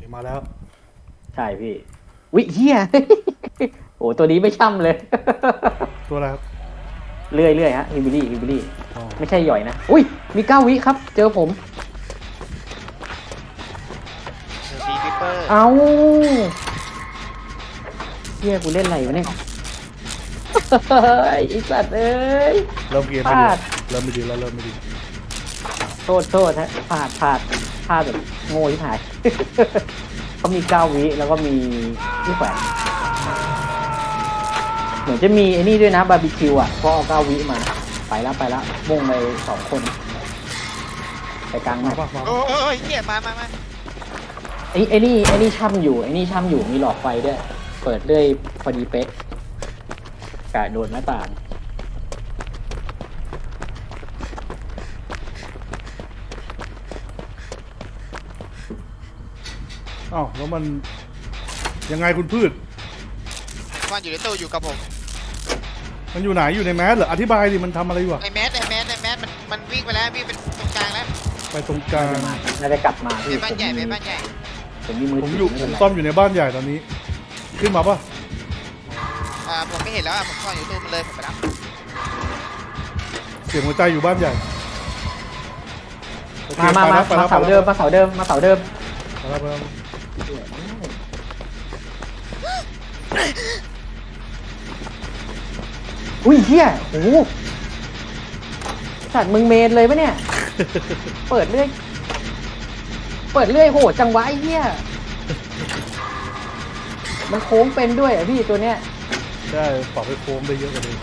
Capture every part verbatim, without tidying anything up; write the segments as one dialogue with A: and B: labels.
A: มาแล้ว
B: ใช่พี่วิเฮียโอ้ตัวนี้ไม่ช่ำเลย
A: ตัวอะไรครับ
B: เรื่อยเรื่อยฮะฮิบิลี่ฮิบิลี่
A: อ๋อ
B: ไม่ใช่หย่อยนะอุ้ยมีเก้าวิครับ เจอผม
C: เดี๋ยวบีวิปเปอร์
B: เอาเฮียกูเล่นอะไรวะเนี่ยเฮ้ยไอสัตว์เอ้ย
A: เริ่มเกม
B: พ
A: ไม่
B: ลา
A: ดี
B: ด
A: เริ่มไม่ดีแล้วเริ่มไม่ดี
B: โทษโทษฮะพลาดพลาดพลาดแบบโง่ที่หาย เขามีเก้าวิแล้วก็มีที่แขวนเหมือนจะมีไอ้นี่ด้วยนะบาร์บีคิวอ่ะเพราะเอาเก้าวิมาไปแล้วไปแล้วมุ่งไปสองคนไปกลาง
A: มา
B: มา
A: ป่ะมา
C: โอ้ยเหี้ยมามามา
B: ไอ้ไอ้นี่ไอ้นี่ช่ำอยู่ไอ้นี่ช่ำอยู่มีหลอดไฟด้วยเปิดด้วยพอดีเป๊ะกะโดนหน้าต่าง
A: อ้าวแล้วมันยังไงคุณพืช
C: มันอยู่ในตู้อยู่กับผม
A: มันอยู่ไหนอยู่ในแมสเหรออธิบายดิมันทำอะไรอยู่อะ
C: ไอแมสไอแมสไอแมสมันมันวิ่งไปแล้ววิ่งไปตรงกลางแล้ว
A: ไปตรงกลาง
B: น่าจะกลับมา
C: เป็
B: พี่
C: นบ้านใหญ่เป็นบ้านใหญ่
B: ผมมีมือ
A: ผม
B: ถื
A: อยู่
B: ไ
A: ผม
B: เป็นไร
A: ซ่อมอยู่ในบ้านใหญ่ตอนนี้ ขึ้นมาป่ะ
C: อ่าผมไม่เห็นแล้วอ่ะผมซ่อนอยู่ตู้มันเลยผมไปรับ
A: เสียงหัวใจอยู่บ้านใหญ่โอเค
B: มามามา
A: ไปแล้ว
B: มาเสาเดิมมาเสาเดิมมาเสาเดิม
A: ไปแล้วไปแล้ว
B: อุ้ยเฮียโอ้โหสัตว์มึงเมนเลยปะเนี่ย เปิดเรื่อยเปิดเรื่อยโหดจังวะไอ้เฮียมันโค้งเป็นด้วยอ่ะพี่ตัวเนี้ย
A: ใช่ปรับไปโค้งได้เยอะกว่านี้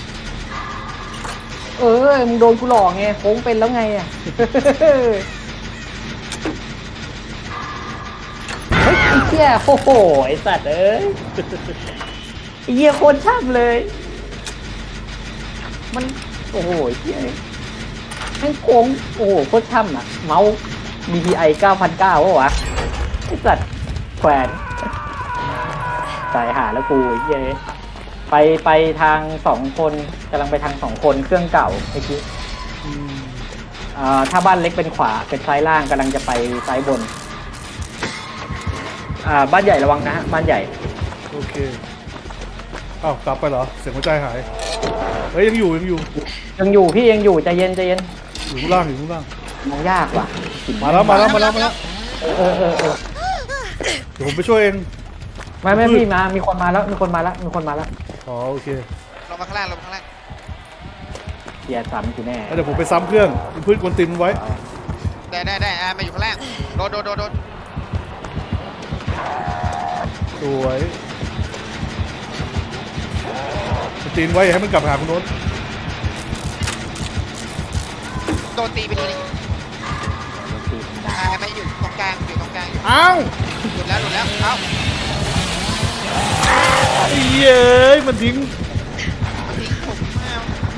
B: เออมึงโดนกูหลอกไงโค้งเป็นแล้วไงอ่ะ เฮ้ยไอ้เหี้ยโอ้โหไอ้สัตว์เอ้ยไอ้เหี้ยโคตรช่ำเลย มันโอ้โหไอ้เหี้ยแม่งโค้งโอ้โหโคตรช่ำอ่ะเมาส์ บี ที ไอ เก้าพันเก้าวะวะไอ้สัตว์แขวนสายหาแล้วกูไอ้เหี้ยไปไปทางสองคนกำลังไปทางสองคนเครื่องเก่าไอ้กี้
A: อืม
B: อ่าถ้าบ้านเล็กเป็นขวาเป็นซ้ายล่างกำลังจะไปซ้ายบนอ่าบ้านใหญ่ระวังนะฮะบ้านใหญ่
A: โอเคอ้าวกลับไปเหรอเสียงหัวใจหายเฮ้ยยังอยู่ยังอยู่
B: ยังอยู่พี่ยังอยู่ใจเย็นใจเย็น
A: อยู่ข้างล่างอยู่ข้างล่าง
B: มองยากว่ะ
A: มาแล้วมาแล้วมาแล้วมาแล้ว
B: เออเออเออเออ
A: เดี๋ยวผมไปช่วยเอง
B: ไม่ไม่พี่มามีคนมาแล้วมีคนมาแล้วมีคนมาแล้ว
A: อ๋อโอเค
C: ลงมาข้างล่างลงมาข้างล่าง
B: เกียร์ซ้ำกูแน่
A: แล้วเดี๋ยวผมไปซ้ำเครื่องคุณพืชกวนตีนมันไว้
C: ได้ได้ได้อ่ามาอยู่ข้างล่างโดนโดนโดนโดน
A: สวยกวนตีนไว้อย่าให้มันกลับหาคุณโน้ต
C: โดนตีไปทีนึงอ่าไม่อยู่ตรงกลางอยู่ตรงกลางอยู่
A: อ้าว
C: หลุดแล้วหลุดแล้วเอ้า
A: ไอ้เย้ยมันทิ้ง
C: มันทิ้งผมมา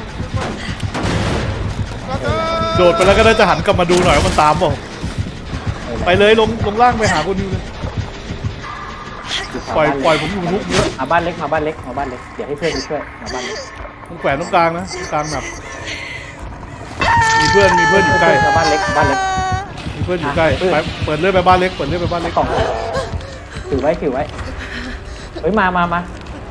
C: ก็เออ
A: โดดไปแล้วก็ได้จะหันกลับมาดูหน่อยว่ามันตามเปล่าไปเลยลงลงล่างไปหาคนนิวเลยปล่อยปล่อยผมอยู่ทุกเยอะ
B: มาบ้านเล็กมาบ้านเล็กมาบ้านเล็กเดี๋ยวให้เพื่อนไปช่วยมาบ้านเล็ก
A: มันแขวนตรงกลางนะตรงกลางแบบมีเพื่อนมีเพื่อนอยู่ใกล้
B: มาบ้านเล็กบ้านเล็ก
A: มีเพื่อนอยู่ใกล้ไปเปิดเลื่อยไปบ้านเล็กเปิดเลื่อยไปบ้านเล็ก
B: กล่องถือไว้ถือไว้เฮ้ยมามามา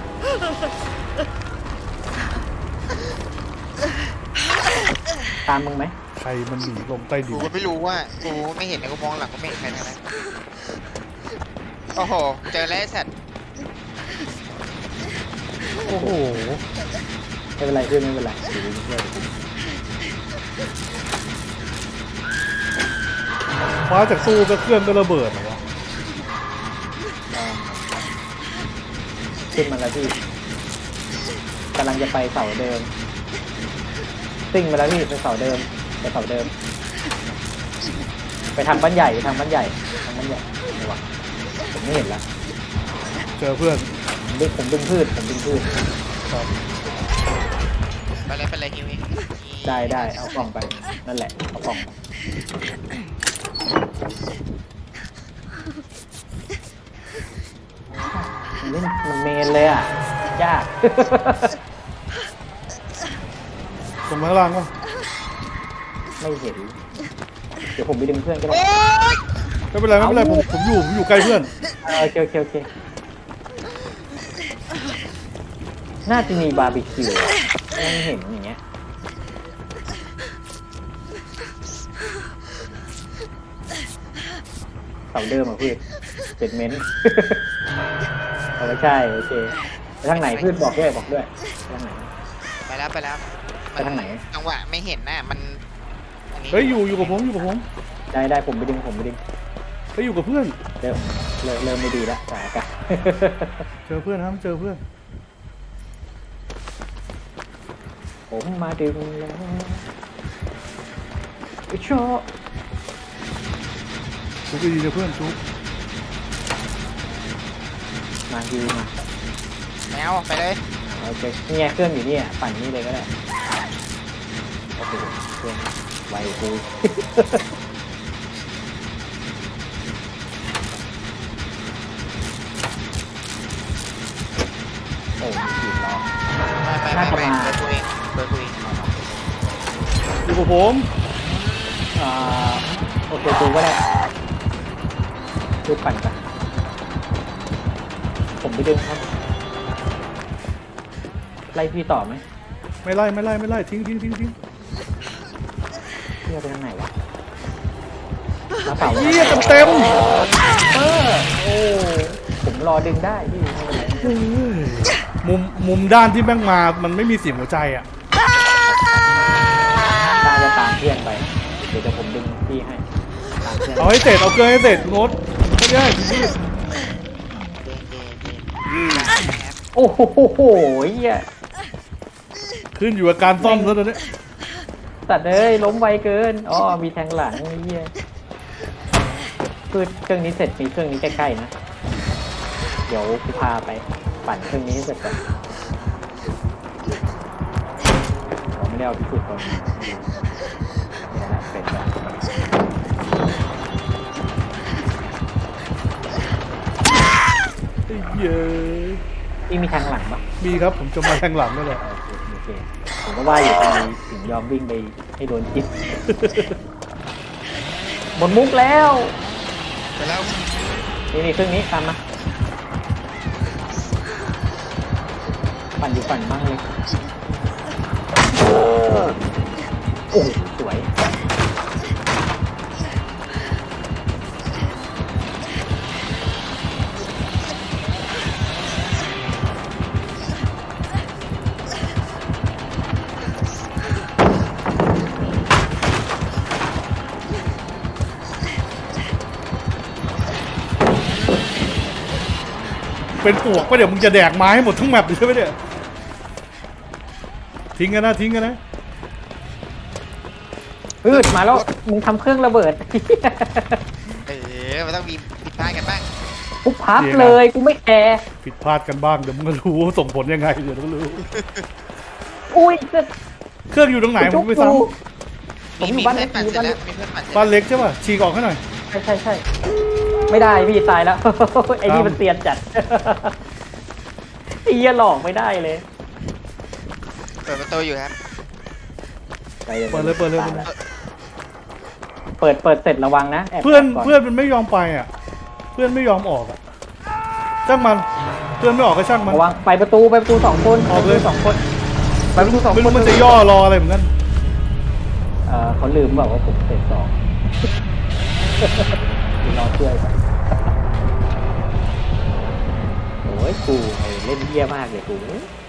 B: ตามมึงไหม
A: ใครมันหนีลงใต้ดิ
C: กู
A: น
C: ก็ไม่รู้ว่ากูไม่เห็นนะกูมองหลังกูไม่เห็นใครทั้งนั้นโอ้โหเจอแล้วไอ้สัตว์
A: โอ้โห
B: ไม่เป็นไรเพื่อนไม่เป็นไรเดี๋ยวดูเพื่อน
A: ฟ้าจากตู้ก็เครื่องก็ระเบิดเหรอวะ
B: ขึ้นมาแล้วพี่กำลังจะไปเสาเดิมซิ่งมาแล้วพี่ไปเสาเดิมไปเสาเดิม ไปทางบ้านใหญ่ไปทางบ้านใหญ่ทางบ้านใหญ่ระวังผมไม่เห็นแล้ว
A: เจอเพื่อน
B: ผมดึงผมดึงพืชผมดึงพืช
A: ครับ
C: ไปเลยไปเลยฮิวเอง
B: ได้ได้เอากล่องไปนั่นแหละเอากล่องไปมันเล่นมันเมนเลยอ่ะยาก
A: ตรงข้างล่างวะ
B: ไม่เห็นเดี๋ยวผมไปดึงเพื่อนก็ได้
C: โอ๊ย
A: ไม่เป็นไรไม่เป็นไรผมผมอยู่ผมอยู่ใกล้เพื่อน
B: เออโอเคโอเคโอเคน่าจะมีบาร์บีคิวอะไม่เห็นอย่างเงี้ยเสาเดิมอ่ะพืชเจ็ดเมนต์ เอาไม่ใช่โอเคไปทางไหนพืชบอกด้วยบอกด้วยไปทางไหน
C: ไปแล้วไปแล้ว
B: ไปทางไหน
C: จังหวะไม่เห็นน่ะมันอันนี้
A: เฮ้ยอยู่อยู่กับผมอยู่กับผม
B: ได้ได้ผมไปดึงผมไปดึง
A: ไปอยู่กับเพื่อน
B: เริ่มเริ่มเริ่มไม่ดีแล้วสถานการณ์
A: เจอเพื่อนครับเจอเพื่อน
B: ผมมาดึงแล้วไอ้ชอ
A: ชุบดีๆเจอเพื่อนชุบ
B: มาดีมา
C: แมวไปเลย
B: โอเคเนี่ยเครื่องอยู่เนี่ยปั่นนี่เลยก็ได้โอ้โหเครื่องไวกู โอ้ยขีดล้อ
C: ไปไป
B: น่า
C: ไป
B: จะ
C: ไป
B: มา
C: เบอร์คุยเบอร์คุย
A: อยู่กับผม
B: อ่าโอเคกูก็ได้ดูปั่นกันผมไปดึงครับไล่พี่ต่อไหม
A: ไม่ไล่ไม่ไล่ไม่ไล่ทิ้งทิ้งทิ้งทิ้ง
B: พี่จะไปทางไหนวะมาเปล่า
A: เยี่ยเต็ม
B: เออโอ้ผมรอดึงได้พี่ไม่เป็นไร
A: เต็มมุมมุมด้านที่แม่งมามันไม่มีเสียงหัวใจอ่ะ
B: ตามจะตามเพื่อนไปเดี๋ยวจะผมดึงพี่ให้ตามเพื่อน
A: เอาให้เสร็จเอาเกลือให้เสร็จโน้ตไม่ได้พี่
C: เจนเจนเจนแอบ
B: โอ้โหเหี้ย
A: ขึ้นอยู่กับการซ่อมแล้วตอนนี้
B: ตัดเลยล้มไวเกินอ๋อมีแทงหลังเหี้ยคือเครื่องนี้เสร็จมีเครื่องนี้ใกล้ๆนะเดี๋ยวกูพาไปปั่นเครื่องนี้ให้เสร็จก่อนเราไม่ได้เอาพิสูจน์ตรงนี้เนี่ยแหละเป็นแบบ
A: ไอ้เหี้ย
B: พี่มีแทงหลังปะ
A: มีครับผมจะมาแทงหลังนั่นแหละ
B: โอเคโอเคผมก็ว่าอยู่ทำไมถึงยอมวิ่งไปให้โดนจิต หมดมุกแล้ว
C: ไปแล้ว
B: นี่นี่เครื่องนี้ตามมาปั่นอยู่ปั่นบ้างเลยโอ้โหสวย
A: เป็นปวกปะเดี๋ยวมึงจะแดกไม้ให้หมดทั้งแมปเลยใช่ไหมเนี่ยทิ้งกันนะทิ้งกันนะ
B: พืดมาแล้วมึงทำเครื่องระเบิด
C: เออมันต้องมีผิดพลาดกันบ้าง
B: กูพับเลยกูไม่แคร์
A: ผิดพลาดกันบ้างเดี๋ยวมึงก็รู้ว่าส่งผลยังไงเดี๋ยวมึงก็รู้
B: อุ้ยจะ
A: เครื่องอยู่ตรงไหนผมไปซ้
B: ผมอยู่
C: มี
B: บ้าน
C: เพื่
B: เล็
C: อก นปั่น
B: อยู่
C: เสร็จ
B: บ้าน
C: แล้
B: เล็
C: ว
B: ก
C: มีเพื่อนปั่นเสร็จ
A: บ้านเล็กใช่ป่ะฉีกออกให้หน่อย
B: ใช่ใช่ใช่ไม่ได้พี่ตายแล้ว ไอ้นี่มันเตียนจัด ไอ้เหี้ยหลอกไม่ได้เลย
C: เปิดประตูอยู่ครับ
A: เปิดเลยเปิดเลยเปิดเลย
B: เปิดเปิดเสร็จระวังนะแบ
A: เพื่อน
B: ก่
A: เพื่อนมันไม่ยอมไปอ่ะ เพื่อนไม่ยอมออกอ่ะช่างมันเพื่อนไม่ออกก็ช่างมัน
B: ระวังไปประตูไปประตูสองคน
A: ออกเลย
B: ไปประตูสองคนไปประตูสอง
A: ไม่
B: ค
A: รู้
B: น
A: มันจะย่อรออะไรเหมือนกัน
B: เออเขาลืมบอกว่าผมเสร็จสอง กูรอช่วยไปโอ้ยกูไอ้เล่นเยี่ยมากเลยกู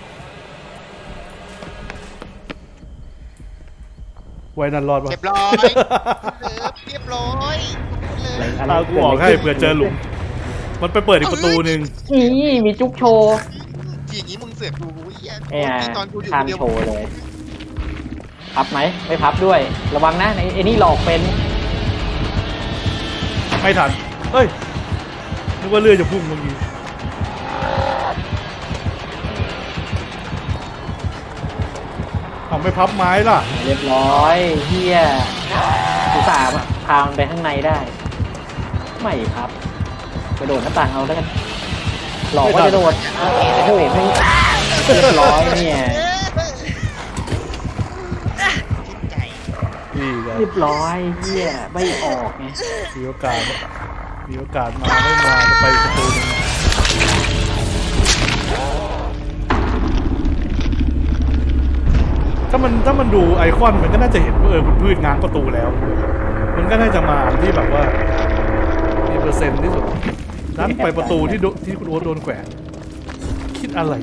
A: ไว้นันรอดปะ
C: เรียบร้อยเออเรียบร้อยเลย
A: เอากูออกให้เผื่อเจอหลุมมันไปเปิดอีกประตูหนึ่ง
B: นี่มีจุ๊บโชว์
C: อย่างนี้มึงเสือกดูกูเหี้ย
B: เนี่ย
C: ตอนกูอยู่
B: ทา
C: คน
B: ม
C: เดียว
B: โชว์เลย พับไหมไม่พับด้วย ระวังนะไอ้ไอ้นี่หลอกเป็น
A: ไม่ทันเฮ้ยนึกว่าเรือจะพุ่งเมื่อกี้เอาไม่พับไม้ล่ะ
B: เรียบร้อยเฮียอุตส่าห์พามันไปข้างในได้ ไม่พับกระโดดหน้าต่างเอาแล้วกัน หลอกว่าจะโดดโอ้โหไม่เรียบร้อยเนี่ย
C: ชื่นใจ
A: นี่ไง
B: เรียบร้อยเฮียไม่ออกไง
A: มีโอกาสมีโอกาสมาไม่มาจะไปประตูหนึงถ้ามันถ้ามันดูไอคอนมันก็น่าจะเห็นว่าเออคุณพืชง้างประตูแล้ว มันก็น่าจะมาอันที่แบบว่ามีเปอร์เซ็นต์ที่สุดนั้นไปประตูที่โดที่คุณโอ๊ตโดนแขวนคิดอะไร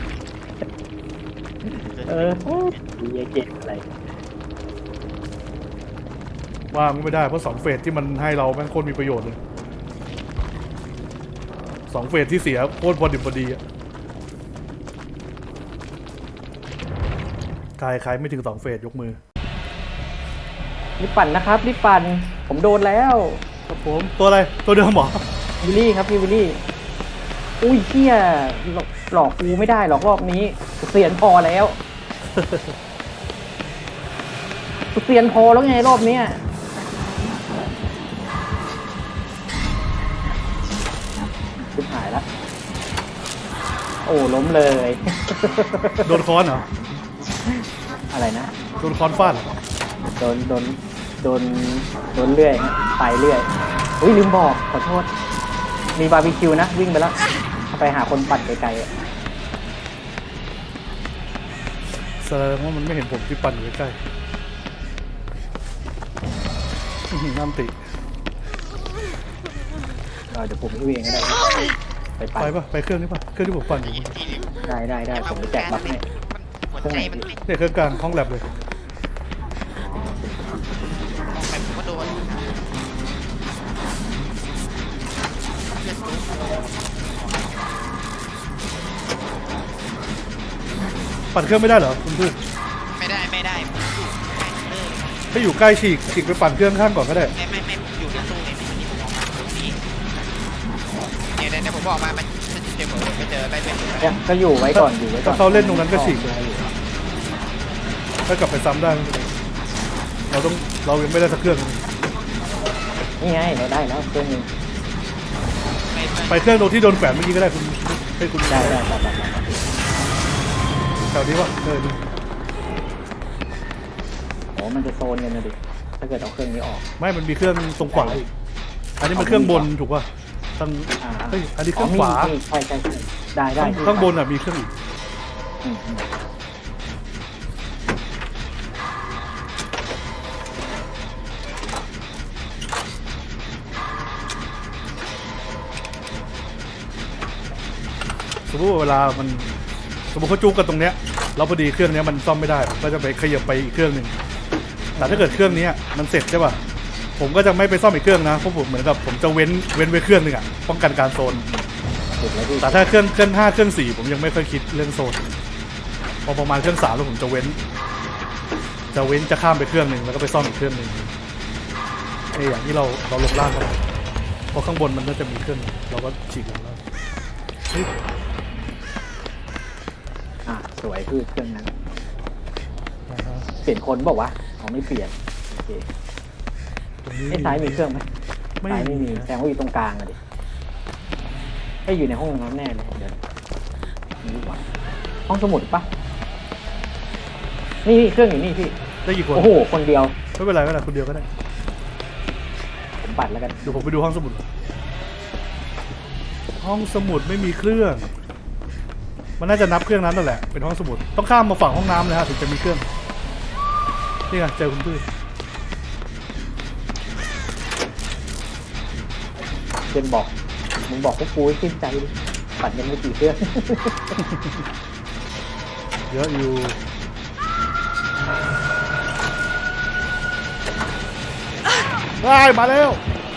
B: เออดีเกมอะไร
A: ว่างไม่ได้เพราะสองเฟสที่มันให้เราแม่งโคตรมีประโยชน์เลยสองเฟสที่เสียโคตรพอดิบพอดีอะใครใครไม่ถึงสองเฟสยกมือ
B: รีบปั่นนะครับรีบปั่นผมโดนแล้ว
A: ครับผมตัวอะไรตัวเดิมเหรอ
B: วิลลี่ครับพี่วิลลี่อุ้ยเฮียหลอกหลอกกูไม่ได้หรอกรอบนี้กูเสียนพอแล้วกูเสียนพอแล้วไงรอบเนี้ยชิบหายแล้วโอ้ล้มเลย
A: โดนค้อนเหรอ
B: อะไรนะ
A: โดนค้อนฟาดเหรอ
B: โดนโดนโดนโดนเลื่อยไปเรื่อยอุ้ยลืมบอกขอโทษมีบาร์บีคิวนะวิ่งไปแล้วไปหาคนปั่นไกลๆอะ
A: แสดงว่ามันไม่เห็นผมที่ปั่นอยู่ใกล้ๆอื้อหือน้ำติ
B: เออเดี๋ยวผมช่วยเองก็ได้ไปปั่น
A: ไปปะไปเครื่องนี้ปะเครื่องที่ผมปั่นอยู่
B: ได้ได้ได้ผมจะแจกบัฟให้
C: หัวใจมันไม่
A: เนี่ยเครื่องกลางห้องแลบเลย
C: มองไปผมก็โดน
A: ปั่นเครื่องไม่ได้เหรอคุณพืช
C: ไม่ได้ไม่ได้ผมอยู่ใกล้เลิก
A: ถ้าอยู่ใกล้ฉีกฉีกไปปั่นเครื่องข้างก่อนก็ได้
C: ไม่ไม่ไม่ผมอยู่ในตู้เนี่ยที่ผมออกมาตรงนี้เนี่ยเนี่ยผมบอกมามันมันเจอผมไปเจออะไรเป็น
B: เนี่ยก็อยู่ไว้ก่อนอยู่ไว้ก่อน
A: ถ้าเขาเล่นตรงนั้นก็ฉีกถ้ากลับไปซ้ำได้เราต้องเรายังไม่ได้สักเครื่อง
B: นี่ไงเราได้แล้วเครื่องนึง
A: ไปเครื่องตรงที่โดนแขวนเมื่อกี้ก็ได้คุณให้คุณ
B: ได้ได้ได้ได้
A: แถวนี้วะเออดู
B: โอ้มันจะโซนกันนะดิถ้าเกิดเอาเครื่องนี้ออก
A: ไม่มันมีเครื่องตรงขวาอีกอันนี้มันเครื่องบนถูกป่ะตั้ง
B: อ่า
A: เฮ้ยอันนี้เครื่องขวา
B: มีใช่ใช่ใช่ได้ได้
A: ข้างบนอ่ะมีเครื่องอีก
B: อืมอืม
A: สมมติว่าเวลามันสมมติเขาจู้กันตรงเนี้ยแล้วพอดีเครื่องเนี้ยมันซ่อมไม่ได้ก็จะไปขยับไปอีกเครื่องหนึ่งแต่ถ้าเกิดเครื่องนี้มันเสร็จใช่ป่ะผมก็จะไม่ไปซ่อมอีกเครื่องนะเพราะผมเหมือนกับผมจะเว้นเว้นไว้เครื่องหนึ่งอ่ะป้องกันการโซน
B: สุดแล้วพี่
A: แต่ถ้าเครื่องเครื่องห้าเครื่องสี่ผมยังไม่ค่อยคิดเรื่องโซนพอประมาณเครื่องสามแล้วผมจะเว้น จะเว้นจะข้ามไปเครื่องหนึ่งแล้วก็ไปซ่อมอีกเครื่องหนึ่งไอ้อย่างที่เราเราลงล่างกันเพราะข้างบนมันน่าจะมีเครื่องเราก็ฉีกลงล่างเฮ้ย
B: อ่ะสวยคือเครื่องนั้น
A: นะฮะ
B: เปลี่ยนคนบอกว่าเขาไม่เปลี่ยนโอเค
A: ตรงนี้
B: ไอ้ซ้ายมีเครื่องไหม
A: ไม่
B: ซ้ายไม่มี
A: นะ
B: แสดงว่าอยู่ตรงกลางอะดิไอ้อยู่ในห้องน้ำแน่เลยเดี๋ยวนี่ดีกว่าห้องสมุดปะนี่นี่เครื่องอยู่นี่พี่
A: ได้กี่คน
B: โอ้โหคนเดียว
A: ไม่เป็นไรไม่เป็นไรคนเดียวก็ได้
B: ผมปัดแล้วกัน
A: เดี๋ยวผมไปดูห้องสมุดก่อนห้องสมุดไม่มีเครื่อง มันน่าจะนับเครื่องนั้นนั่นแหละเป็นห้องสมุดต้องข้ามมาฝั่งห้องน้ำเลยฮะถึงจะมีเครื่องนี่ไงเจอคุณพืช
B: เจนบอกมึงบอกพวกกูให้ขึ้นใจดิปัดยังไม่กี่เครื่อง
A: เยอะอยู่ได้มาแล้ว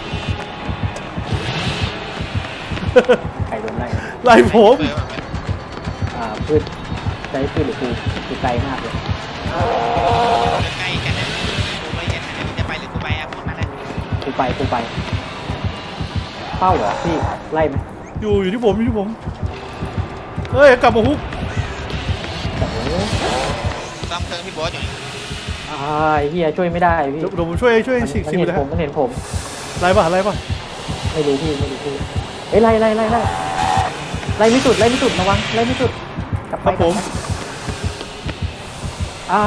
B: ใครโดนไล่
A: ไล่ผม
C: เบอร์แบบ
B: อ่าพืชใจพืชหรือกูกูไกลมากเลย
C: ใกล้กันนะกูไม่เห็นนะจะไปหรือกูไปอ่ะพูดมาแล้ว
B: กูไปกูไปเป้าเหรอพี่ไล่ไหม
A: อยู่อยู่ที่ผมอยู่ที่ผมเฮ้ยกลับมาฮุก
B: โอ้โห
C: ซ่อมเครื่องพี่โบ๊ทอยู่
B: อ่าไอ้เฮียช่วยไม่ได้พี่
A: เดี๋ยวเดี๋ยวผมช่วยช่วย
B: มัน
A: ฉีก
B: มัน
A: ฉีก
B: เห็น
A: เลย
B: ผ
A: ฮะ
B: มมันเห็นผม
A: ไล่ป่ะไล่ป่ะ
B: ไม่รู้พี่ไม่รู้พี่เฮ้ยไล่ไล่ไล่ไล่ไล่ไม่สุดไล่ไม่สุดระวังไล่ไม่สุดกลับ
A: ค
B: ไป
A: รับผม
B: อ่า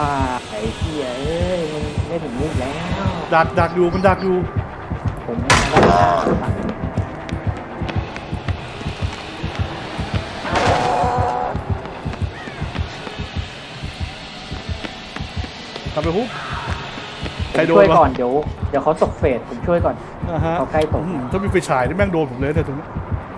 B: ไอ้เฮียเอ้ยมันไม่ถึงนี่แล้ว
A: ดักดักอยู่มันดักอยู่
B: ผมไ
A: ทำไปฮุบ
B: ผ
A: ใคร
B: ม
A: โด
B: ช่วน ยว
A: ะ
B: ก่อนเดี๋ยวเดี๋ยวเขาตกเฟสผมช่วยก่อน
A: อ่าฮะ
B: เขาใกล้ตก
A: อืมถ้ามีไฟฉายนี่แม่งโดนผมเลยแต่ตรงนี้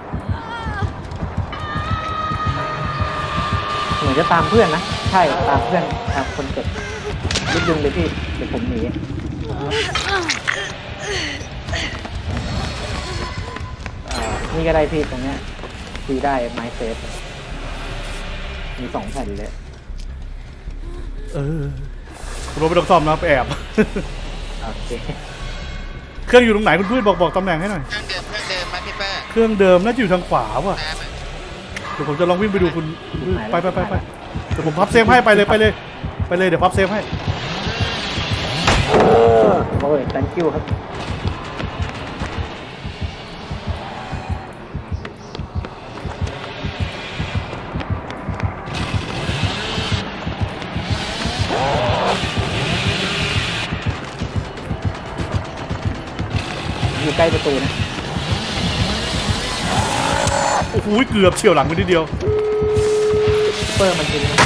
B: เหมือนจะตามเพื่อนนะใช่ตามเพื่อนตามคนเจ็บรีบดึงเลยพี่เดี๋ยวผมหนีอ่านี่ก็ได้พี่ตรงเนี้ยคุยได้ไม้เซฟมีสองแผ่นเลย
A: เออรถไปต้องซ่อมนะไปแอบ
B: โอเค
A: เครื่องอยู่ตรงไหนคุณพืชบอกบอกตำแหน่งให้หน่อย
C: เครื่องเดิมเครื่องเดิมมาพี่เปอร์
A: เครื่องเดิมน่าจะอยู่ทางขวาว่ะ
C: น้ำอะ
A: เดี๋ยวผมจะลองวิ่งไปดูคุณคุณพืชไปไปไปไปเดี๋ยวผมพับเซฟให้ไปเลยไปเลยไปเลยเดี๋ยวพับเซฟให้
B: โอ้ย thank you ครับ อยู่ใกล้ประตูนะ
A: โอ้โหเกือบเฉียวหลังไปนิดเดียว
B: เปอร์มันจริงนะ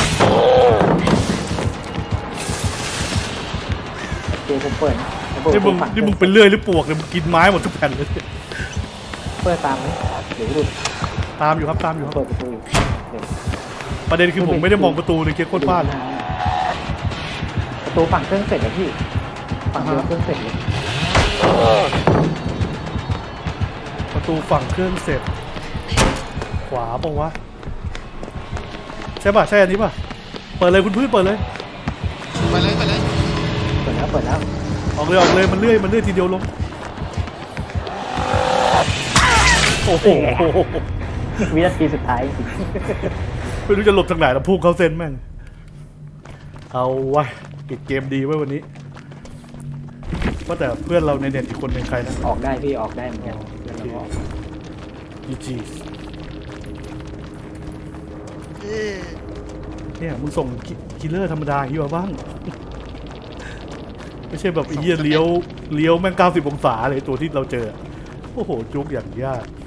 B: โอเคผมเปิดนะแล้ว
A: นี่มึง
B: ฝั่
A: นี่มึงเป็นเลื่อยหรือปวกเนี่ยมึงกินไม้หมดทุกแผ่นเลย
B: เปิดตามไหมเดี๋ยวหลุด
A: ตามอยู่ครับตามอยู่ครับ
B: เปิดประตูอยู่เดี๋ยว
A: ประเด็นคือผมไม่ได้มองประตูเลยเกียร์โคตรบ้าน
B: ประตูฝั่งเครื่องเสร็จแล้วพี่ฝั่งเดียวเครื่องเสร็จเลย
A: ประตูฝั่งเครื่องเสร็จ ขวาปะวะใช่ป่ะใช่อันนี้ป่ะเปิดเลยคุณพืชเปิดเลย
C: ไปเลยไปเลย
B: เปิดแล้วเปิดแล้ว
A: ออกเลยออกเลยมันเลื่อยมันเลื่อยทีเดียวลงโอ้โห
B: วินาทีสุดท้ายจริง
A: ไม่รู้จะหลบทางไหนแล้วพุ่งเข้าเส้นแม่งเอาวะปิดเกมดีไว้วันนี้ว่าแต่เพื่อนเราในเน็ตอีกคนเป็นใครนะ
B: ออกได้พี่ออกได้เหมือนกันเดี๋ยวเราออก
A: จีจีเนี่ยมึงส่งคิลเลอร์ธรรมดาอย่างนี้มาบ้าง ไม่ใช่แบบไอ้เหี้ยเลี้ยวเลี้ยวแม่งเก้าสิบองศาเลยตัวที่เราเจอ โอ้โห จุกอย่างยาก